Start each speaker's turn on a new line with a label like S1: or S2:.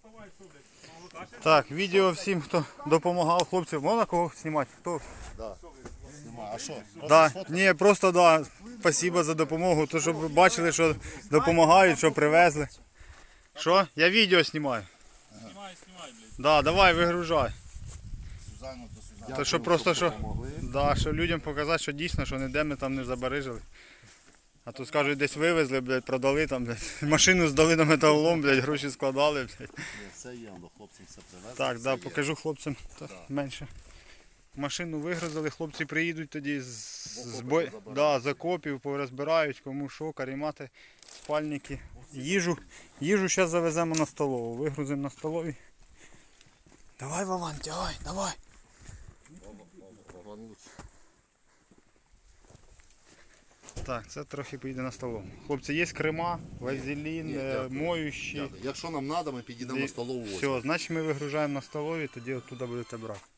S1: Так, відео всім, хто допомагав хлопцям. Можна кого знімати? Хто?
S2: Да. А що?
S1: Да. Ні, просто да. Спасибо за допомогу. То, щоб ви бачили, що допомагають, що привезли. Що? Я відео знімаю.
S3: Знімай, блядь.
S1: Да, давай, вигружай.
S2: Сюзанну до Сюзанну.
S1: То що просто, що, да, що людям показати, що дійсно, що ніде ми там не забарижили. А то скажуть, десь вивезли, блядь, продали там, блядь. Машину здали на металолом, блядь, гроші складали, блядь.
S2: Все є, до хлопців все привезли.
S1: Так,
S2: все
S1: да,
S2: є.
S1: покажу хлопцям менше. Машину вигрузили, хлопці приїдуть тоді з окопів, порозбирають, кому що, карімати, спальники. Їжу зараз завеземо на столову, вигрузимо на столові. Давай, Вован, тягай, давай. Так, це трохи поїде на столову. Хлопці, є крема, вазелін, моющі.
S2: Якщо нам треба, ми підійдемо на столову.
S1: Все, значить ми вигружаємо на столові, тоді оттуда будете брати.